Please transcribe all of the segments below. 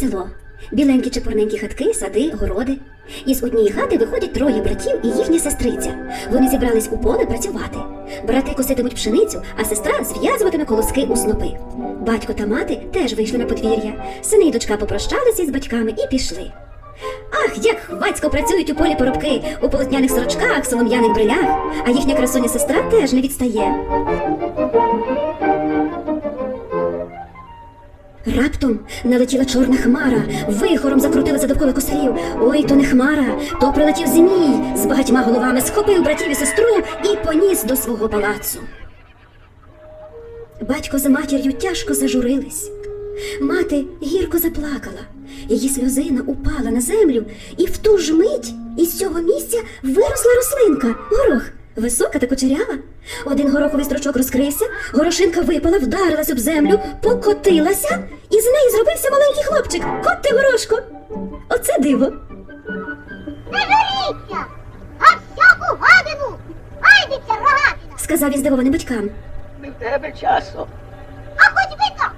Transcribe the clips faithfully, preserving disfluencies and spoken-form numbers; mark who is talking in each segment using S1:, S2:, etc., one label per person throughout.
S1: Село. Біленькі чепурненькі хатки, сади, городи. Із однієї хати виходять троє братів і їхня сестриця. Вони зібрались у поле працювати. Брати коситимуть пшеницю, а сестра зв'язуватиме колоски у снопи. Батько та мати теж вийшли на подвір'я. Сини й дочка попрощалися із батьками і пішли. Ах, як хвацько працюють у полі поробки, у полотняних сорочках, солом'яних брилях, а їхня красуня сестра теж не відстає. Раптом налетіла чорна хмара, вихором закрутилася довкола косарів. Ой, то не хмара, то прилетів змій з багатьма головами, схопив братів і сестру і поніс до свого палацу. Батько за матір'ю тяжко зажурились. Мати гірко заплакала. Її сльозина упала на землю, і в ту ж мить із цього місця виросла рослинка – горох. Висока та кучерява. Один гороховий стручок розкрився, горошинка випала, вдарилась об землю, покотилася, і з неї зробився маленький хлопчик. Кот ти, горошко! Оце диво!
S2: Не журіться, а всяку гадину гайдеться рогатина!
S1: Сказав він здивованим батькам.
S3: Не в тебе часу.
S2: А хоч би то!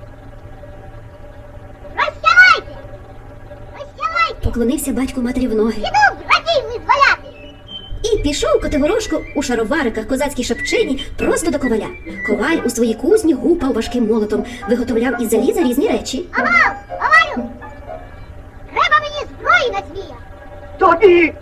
S2: Розсявайте! Розсявайте!
S1: Поклонився батько матері в ноги.
S2: Іду братів визволяти!
S1: І пішов Котигорошко у шаровариках, козацькій шапчині просто до коваля. Коваль у своїй кузні гупав важким молотом, виготовляв із заліза різні речі.
S2: Авал! Авалю! Треба мені зброї на змія!
S3: Тобі!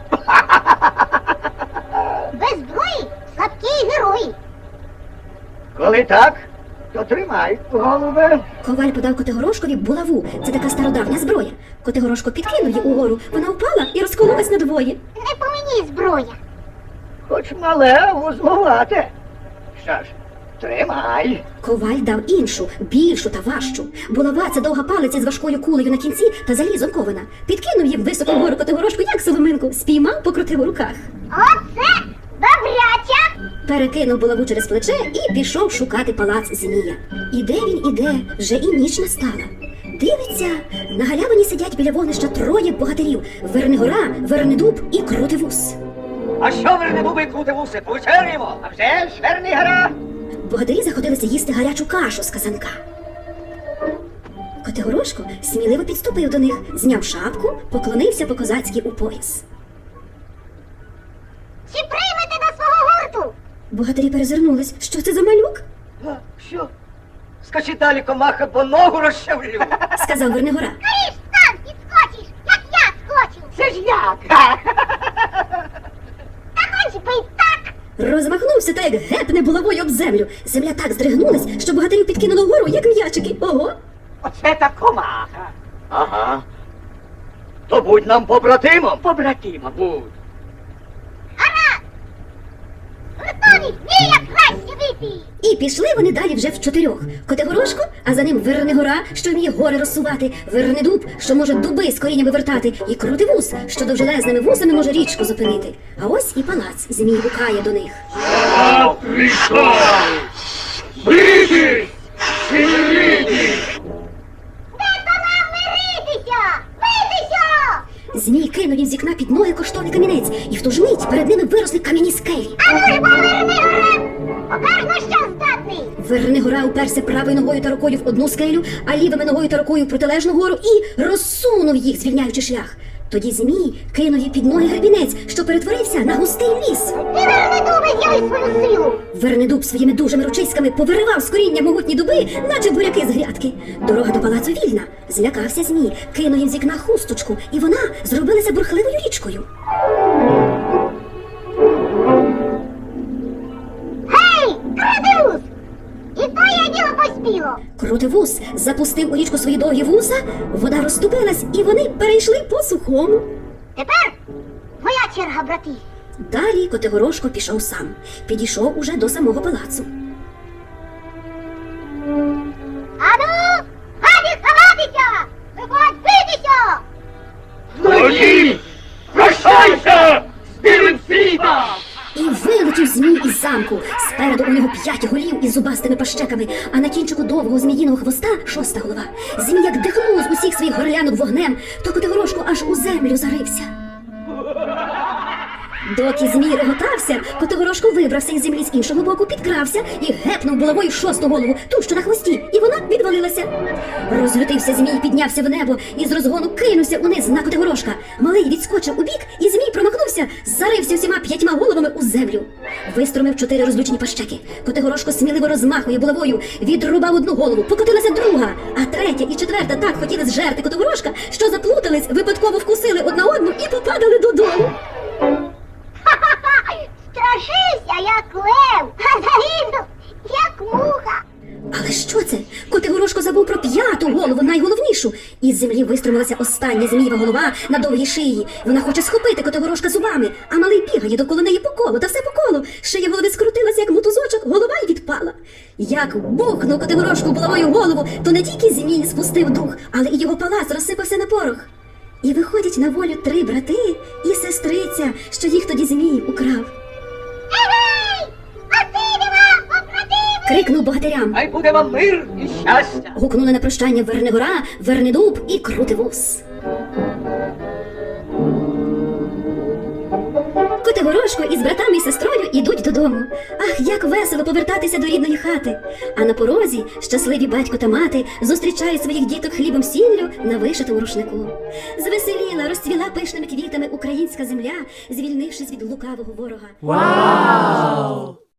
S2: Без зброї слабкі герої!
S3: Коли так, то тримай, голубе.
S1: Коваль подав Котигорошкові булаву. Це така стародавня зброя. Котигорошко підкинув її угору. Вона впала і розкололась надвоє.
S2: Не по мені зброя!
S3: Хоч мале, вузловате. Що ж, тримай.
S1: Коваль дав іншу, більшу та важчу. Булава – це довга палиця з важкою кулею на кінці та залізом кована. Підкинув її високо вгору Котигорошку, як соломинку, спіймав, покрутив у руках.
S2: Оце добряча!
S1: Перекинув булаву через плече і пішов шукати палац змія. Іде він, іде, вже і ніч настала. Дивиться, на галявині сидять біля вогнища троє богатирів – Вернигора, Вернидуб і Крутивус.
S3: А що верне буби крути вуси, повечеряємо? А вже ж, верний гора.
S1: Богатирі заходилися їсти гарячу кашу з казанка. Котигорошко сміливо підступив до них, зняв шапку, поклонився по-козацьки у пояс.
S2: Чи приймете до свого гурту?
S1: Богатирі перезирнулись. Що це за малюк?
S3: А, що? Скачи далі, комаха, бо ногу розчавлю.
S1: Сказав Вернигора.
S2: Скоріш сам підскочиш, як я скочу!
S3: Це ж як?
S2: Та хоч би й так!
S1: Розмахнувся та як гепне булавою об землю. Земля так здригнулась, що богатирів підкинуло вгору, як м'ячики. Ого!
S3: Оце та комаха. Ага. То будь нам побратимом. Побратимом будь.
S2: Гаразд! Готові змія краще випій!
S1: І пішли вони далі вже в чотирьох. Котигорошко, а за ним Вернигора, що вміє гори розсувати, Вернидуб, що може дуби з коріння вивертати, і Крутивус, що довжелезними вусами може річку зупинити. А ось і палац. Змій гукає до них.
S4: Я прийшов! Битись! Сильніть!
S2: Де то нам миритися? Битися!
S1: Змій кинув їм з вікна під ноги коштовний камінець, і в ту ж мить перед ними виросли кам'яні скелі.
S2: А ну ж поверни горе! Покаж на що здатний!
S1: Вернигора уперся правою ногою та рукою в одну скелю, а лівими ногою та рукою в протилежну гору і розсунув їх, звільняючи шлях. Тоді Змій кинув їй під ноги гребінець, що перетворився на густий ліс.
S2: І Вернидубе з'яви свою силу!
S1: Вернидуб своїми дужими ручиськами повиривав з коріння могутні дуби, наче буряки з грядки. Дорога до палацу вільна. Злякався Змій, кинув їм з вікна хусточку, і вона зробилася бурхливою річкою.
S2: Гей, Крутивус! І твоє діло поспіло!
S1: Крутивус запустив у річку свої довгі вуса, вода розступилась, і вони перейшли по сухому.
S2: Тепер твоя черга, брати!
S1: Далі Котигорошко пішов сам. Підійшов уже до самого палацу.
S2: Ану, гаді ховатися! Виходь битися!
S4: Тоді! Прощайся з білим світом!
S1: І вилетів Змій із замку. Спереду у нього п'ять голів із зубастими пащеками, а на кінчику довгого зміїного хвоста шоста голова. Змій як дихнув з усіх своїх горлянок вогнем, то Котигорошко аж у землю зарився. Доки змій реготався, Котигорошко вибрався із землі з іншого боку, підкрався і гепнув булавою шосту голову, ту, що на хвості, і вона відвалилася. Розлютився змій, піднявся в небо і з розгону кинувся униз на Котигорошка. Малий відскочив у бік, і змій промахнувся, зарився всіма п'ятьма головами у землю. Виструмив чотири розлючені пащеки. Котигорошко сміливо розмахує булавою, відрубав одну голову, покотилася друга, а третя і четверта так хотіли зжерти Котигорошка, що заплутались, випадково вкусили одна одну і попадали додолу.
S2: Ха-ха-ха! Страшився, як лев, а загинув, як муха.
S1: Але що це? Котигорошко забув про п'яту голову, найголовнішу. Із землі виструмилася остання змієва голова на довгій шиї. Вона хоче схопити Котигорошка зубами, а малий бігає довкола неї по колу, та все по колу. Шия голови скрутилася, як мотузочок, голова й відпала. Як бухнув Котигорошку булавою голову, то не тільки змій спустив дух, але і його палац розсипався на порох. І виходять на волю три брати і сестриця, що їх тоді змій украв.
S2: Егей! Спасибі вам, побратими!
S1: Крикнув богатирям.
S3: Хай буде вам мир і щастя.
S1: Гукнули на прощання Вернигора, Вернидуб і Крутивус. Котигорошко із братами і сестрою ідуть додому. Ах, як весело повертатися до рідної хати. А на порозі щасливі батько та мати зустрічають своїх діток хлібом сіллю на вишитому рушнику. Звеселіла, розцвіла пишними квітами українська земля, звільнившись від лукавого ворога.
S5: Вау!